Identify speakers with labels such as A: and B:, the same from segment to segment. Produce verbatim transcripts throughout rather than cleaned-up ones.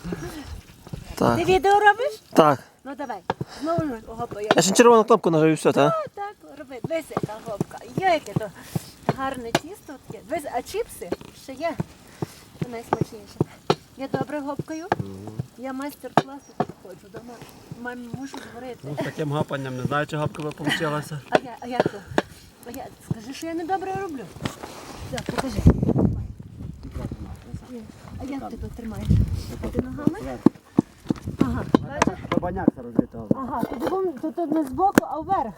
A: Так.
B: Ти відео робиш?
A: Так.
B: Ну давай. Знову гопа.
A: Я ще червону кнопку нажав і все, так?
B: Так, так, роби. Дивись, яка гопка. Є яке то гарне тісто таке. Дивись, а чіпси ще є. Це найсмачніше. Я добре гопкаю. Я майстер-класу ходжу дома. Мамі мушу зварити.
C: Ну, з таким гапанням не знаю, чи гапка би вийшла.
B: А я, а як то? А я, скажи, що я не добре роблю. Так, покажи. А як ти тут тримаєш? А ти ногами? Ага. Бачиш?
C: Бабаняк це розлітав.
B: Ага, тут, бум- тут тут не збоку, а вверх.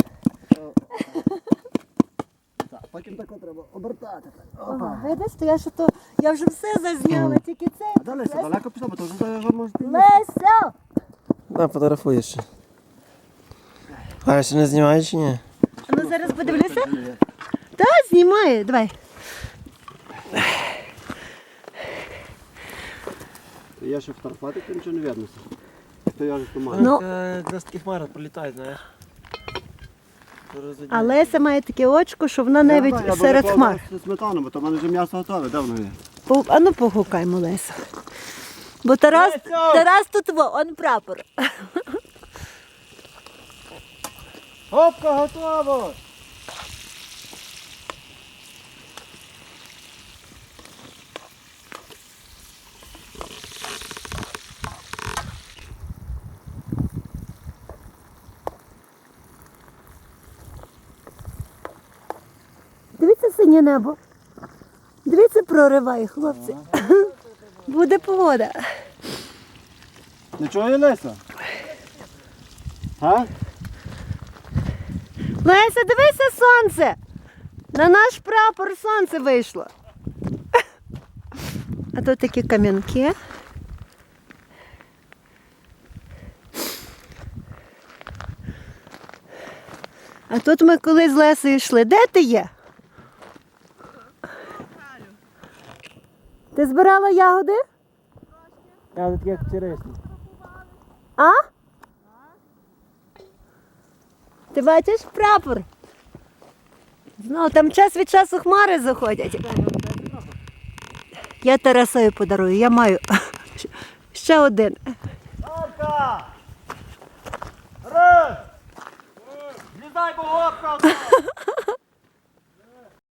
C: Так, потім так треба обертати.
B: Ага, видиш, то я що то, я вже все зазняла, тільки це.
C: А далі все далеко пішло, бо то вже його можете...
B: Леся!
A: Да, фотографуєш ще. А ще не знімаєш чи ні?
B: А ну зараз подивлюся. Та, знімає, давай.
C: Я ще фотографувати, то нічого не видно. То я вже тумаю.
B: Ну.
A: Якраз такі хмари пролітають, знаєш.
B: А Леся має таке очко, що вона навіть серед хмар.
C: Сметану, бо то в мене вже м'ясо готове, де воно є?
B: По- А ну погукаймо Лесю. Бо Тарас, Тарас тут во, он прапор.
C: Гопка готово!
B: Дивіться синє небо. Дивіться, прориває, хлопці. Буде погода.
C: Нічого є, Леся? А?
B: Леся, дивися сонце. На наш прапор сонце вийшло. А тут такі кам'янки. А тут ми коли з Лесею йшли. Де ти є? Ти збирала ягоди?
A: Я такі як черешні.
B: А? Ти бачиш прапор? Знову там час від часу хмари заходять. Я Тарасові подарую, я маю ще один.
C: Гопка! Раз! Злізай, бо гопка!